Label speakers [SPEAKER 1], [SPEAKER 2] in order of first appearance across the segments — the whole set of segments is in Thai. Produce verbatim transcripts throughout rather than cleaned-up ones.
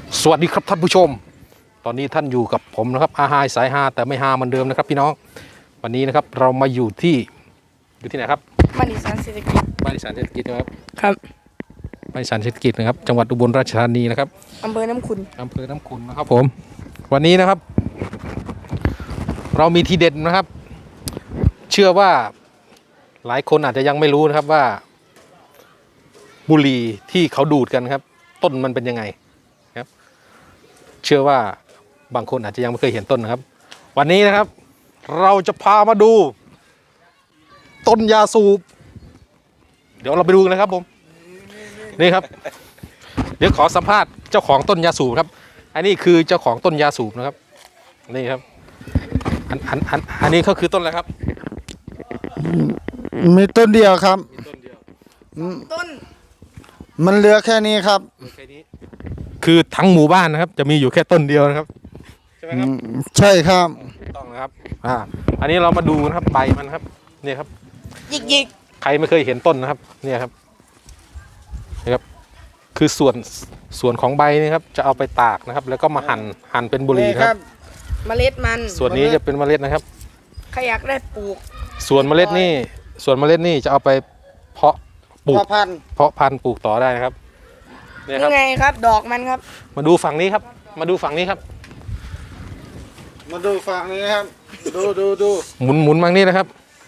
[SPEAKER 1] สวัสดีครับท่านผู้ชมตอนนี้ท่านอยู่กับผมนะครับอาหายสายฮาแต่ไม่ฮาเหมือนเดิมนะครับพี่น้องวันนี้นะครับเรามาอยู่ที่อยู่ที่ไหนครับ
[SPEAKER 2] บ้านอีสานเศรษฐกิจ
[SPEAKER 1] บ้านอีสานเศรษฐกิจนะครับ
[SPEAKER 2] ครับ
[SPEAKER 1] บ้านอีสานเศรษฐกิจนะครับจังหวัดอุบลราชธานีนะครับ
[SPEAKER 2] อำเภอน้ำขุน
[SPEAKER 1] อำเภอน้ำขุนนะครับผมวันนี้นะครับ เรามีทีเด็ดนะครับ เชื่อว่าหลายคนอาจจะยังไม่รู้นะครับว่า บุหรี่ที่เขาดูดกันครับ ต้นมันเป็นยังไงครับ เชื่อว่าบางคนอาจจะยังไม่เคยเห็นต้นนะครับ วันนี้นะครับ เราจะพามาดู ต้นยาสูบเดี๋ยวเราไปดูกันนะครับผมนี่ครับ เดี๋ยวขอสัมภาษณ์เจ้าของต้นยาสูบครับ อันนี้คือเจ้าของต้นยาสูบนะครับนี่ครับอันอันอันอันนี้ก็คือต้นอะไรครับ
[SPEAKER 3] มีต้นเดียวครับ
[SPEAKER 1] มีต้นเดียว
[SPEAKER 2] ต้น
[SPEAKER 3] มันเหลือแค่นี้ครับ
[SPEAKER 1] แค่นี้คือทั้งหมู่บ้านนะครับ จะมีอยู่แค่ต้นเดียวนะครับใช่ไหมครับ
[SPEAKER 3] ใช่ครับ
[SPEAKER 1] ต้องนะครับอ่าอันนี้เรามาดูนะครับใบมันครับเนี่ยครับ
[SPEAKER 2] ยิกยิก
[SPEAKER 1] ใครไม่เคยเห็นต้นนะครับเนี่ยครับนี่ครับคือส่วนส่วนของใบนี่ครับจะเอาไปตากนะครับ แล้วก็มาหั่นหั่นเป็นบุหรี่ครับ
[SPEAKER 2] เมล็ดมัน
[SPEAKER 1] ส่วนนี้จะเป็นเมล็ดนะครับ
[SPEAKER 2] ใครอยากได้ปลูก
[SPEAKER 1] ส่วนเมล็ดนี่ส่วนเมล็ดนี่จะเอาไปเพาะปลูกเพาะพันธุ์เพาะพันธุ์ปลูกต่อได้นะครับ
[SPEAKER 2] นี่ไงครับดอกมันครับ
[SPEAKER 1] มาดูฝั่งนี้ครับมาดูฝั่งนี้ครับ
[SPEAKER 3] มาดูฝั่งนี้ครับดูดูดู
[SPEAKER 1] หมุนหมุนฝั่งนี้นะครับ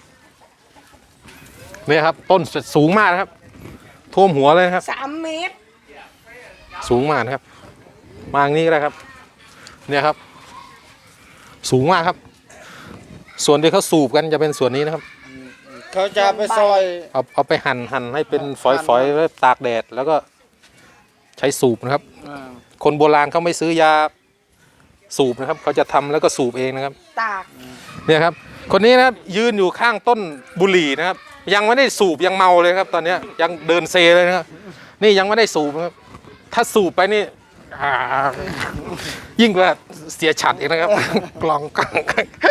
[SPEAKER 1] นี่ครับต้นสูงมากนะครับท่วมหัวเลยครับ
[SPEAKER 2] สามเมตร
[SPEAKER 1] สูงมากนะครับมาอย่างนี้ก็ได้ครับเนี่ยครับสูงมากครับส่วนที่เขาสูบกันจะเป็นส่วนนี้นะครับ
[SPEAKER 3] เขาจะไปซอย
[SPEAKER 1] เอาเอาไปหั่นหั่นให้เป็นฝอยๆแล้วตากแดดแล้วก็ใช้สูบนะครับคนโบราณเขาไม่ซื้อยาสูบนะครับเขาจะทำแล้วก็สูบเองนะครับ
[SPEAKER 2] ตาก
[SPEAKER 1] เนี่ยครับคนนี้นะครับยืนอยู่ข้างต้นบุหรี่นะครับยังไม่ได้สูบยังเมาเลยครับตอนนี้ยังเดินเซเลยนะครับนี่ยังไม่ได้สูบนะครับถ้าสูบไปนี่ยิ่งกว่าเสียฉัดอีกนะครับกลองกลอง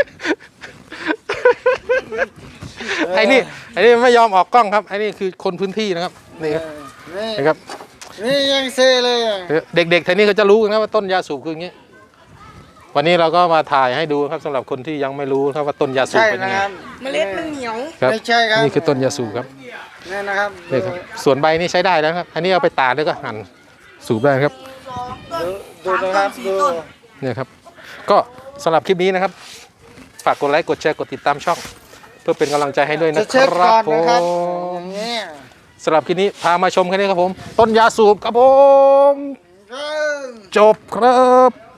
[SPEAKER 1] ไอ้นี่ไอ้นี่ไม่ยอมออกกล้องครับไอ้นี่คือคนพื้นที่นะครับนี่ครับนี่ครับ
[SPEAKER 3] นี่ยังเซเลย
[SPEAKER 1] เด็กๆแถวนี้เขาจะรู้นะว่าต้นยาสูบคืออย่างนี้วันนี้เราก็มาถ่ายให้ดูครับสำหรับคนที่ยังไม่รู้ครับว่าต้นยาสูบเป็นยังไง
[SPEAKER 2] เมล็ดมันเหนียว
[SPEAKER 1] ไม่ใช่ครับนี่คือต้นยาสูบครับ
[SPEAKER 3] นี่นะครับ
[SPEAKER 1] นี่ครับส่วนใบนี่ใช้ได้แล้วครับอันนี้เอาไปตากแล้วก็หั่นสูบได้ครับ
[SPEAKER 3] ดูนะครับดู
[SPEAKER 1] เนี่ยครับก็สำหรับคลิปนี้นะครับฝากกดไลค์กดแชร์กดติดตามช่องเพื่อเป็นกำลังใจให้ด้วยนะครับผมสำหรับคลิปนี้พามาชมแค่นี้ครับผมต้นยาสูบครับผมจบครับ